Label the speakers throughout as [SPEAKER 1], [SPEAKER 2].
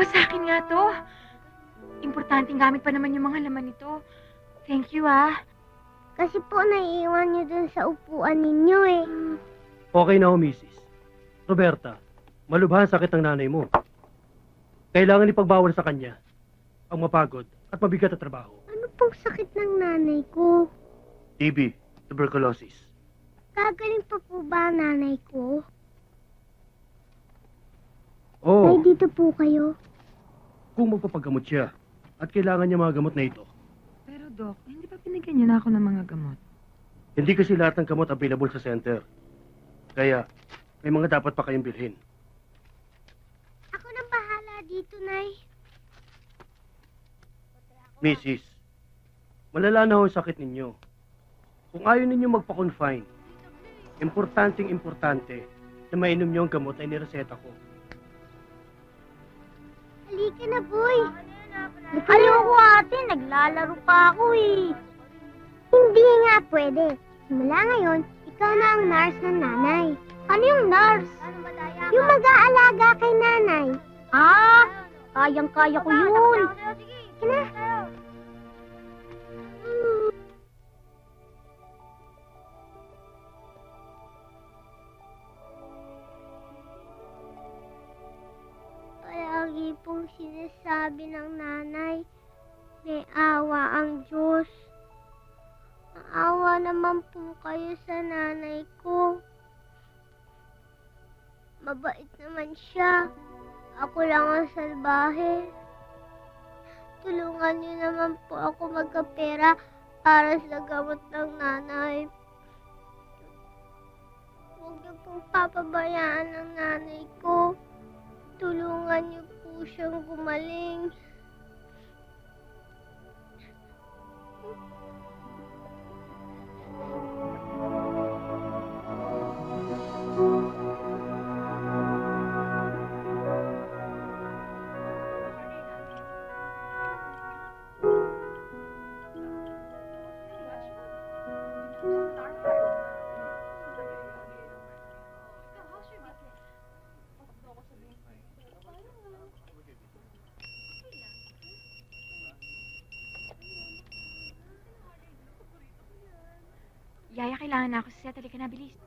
[SPEAKER 1] sa akin nga to. Importanteng gamit pa naman yung mga laman nito. Thank you, ah.
[SPEAKER 2] Kasi po naiiwan niyo dun sa upuan ninyo eh.
[SPEAKER 3] Okay na ho, Mrs. Roberta, malubhan sakit ng nanay mo. Kailangan ipagbawal sa kanya ang mapagod at mabigat na trabaho.
[SPEAKER 2] Ano pong sakit ng nanay ko?
[SPEAKER 3] TB, tuberculosis.
[SPEAKER 2] Gagaling pa po ba ang nanay ko?
[SPEAKER 3] Oo,
[SPEAKER 2] Ay, dito po kayo.
[SPEAKER 3] kung magpapagamot siya at kailangan niya mga gamot na ito.
[SPEAKER 1] Pero, Doc, hindi pa pinigyan niyo na ako ng mga gamot.
[SPEAKER 3] Hindi kasi lahat ng gamot available sa center. Kaya, may mga dapat pa kayong bilhin.
[SPEAKER 2] Ako nang bahala dito, Nay.
[SPEAKER 3] Mrs., malala na ho ang sakit ninyo. Kung ayaw ninyo magpa-confine, importante na mainom niyo ang gamot na inireseta ko.
[SPEAKER 2] Halika na, boy. Ayoko, ate. Naglalaro pa ako eh. Hindi nga pwede. Simula ngayon, ikaw na ang nurse ng nanay. Ano yung nurse? Yung mag-aalaga kay nanay. Ah, kayang-kaya ko yun. Sige na. Palagi pong sinasabi ng nanay, may awa ang Diyos. Maawa naman po kayo sa nanay ko. Mabait naman siya. Ako lang ang salbahe. Tulungan niyo naman po ako magkapera para sa gamot ng nanay. Huwag niyo pong papabayaan ang nanay ko. Tulungan niyo po siyang gumaling.
[SPEAKER 1] Yaya, kailangan na ako sa set. Halika na, bilis.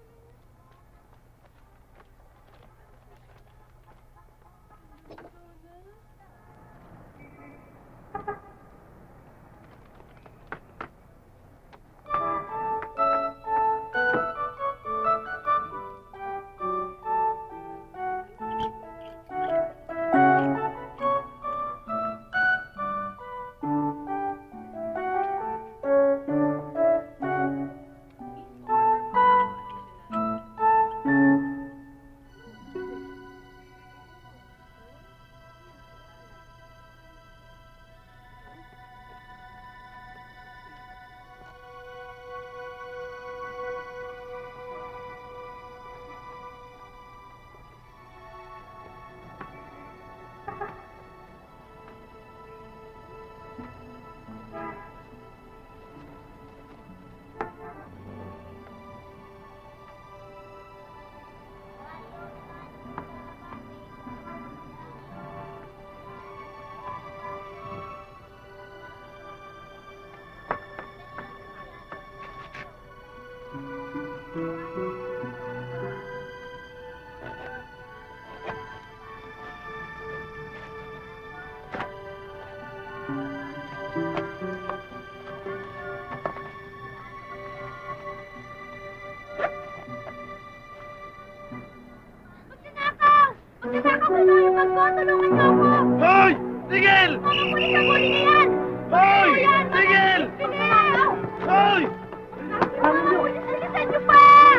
[SPEAKER 3] Hoy! Tigil! Hoy! Tigil! Hoy!
[SPEAKER 2] Alisan niyo pa!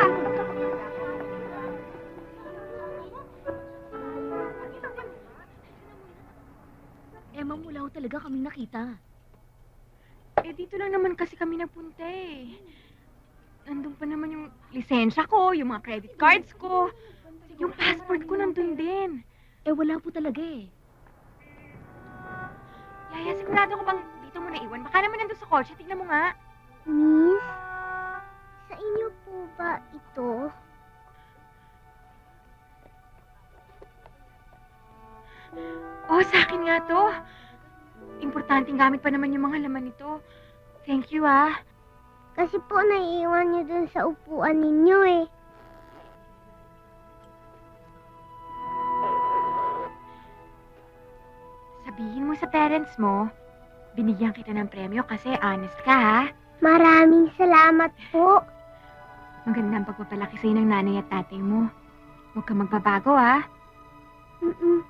[SPEAKER 4] Emma, mula ho talaga kaming nakita.
[SPEAKER 1] Eh, dito lang naman kasi kami napunta eh. Nandun pa naman yung lisensya ko, yung mga credit cards ko. Yung passport ko nandun din.
[SPEAKER 4] Eh, wala po talaga eh.
[SPEAKER 1] Yaya, sigurado ko bang dito mo naiwan? Baka naman nandun sa kotse. Tignan mo nga.
[SPEAKER 2] Miss, sa inyo po ba ito?
[SPEAKER 1] Oh, nga to. Importanteng gamit pa naman yung mga laman nito. Thank you, ah.
[SPEAKER 2] Kasi po naiiwan niyo dun sa upuan ninyo eh.
[SPEAKER 1] Sabihin mo sa parents mo, binigyan kita ng premyo kasi honest ka, ha?
[SPEAKER 2] Maraming salamat po.
[SPEAKER 1] Maganda ang pagpapalaki sa'yo ng nanay at tatay mo. Huwag ka magbabago, ha?
[SPEAKER 2] Mm-mm.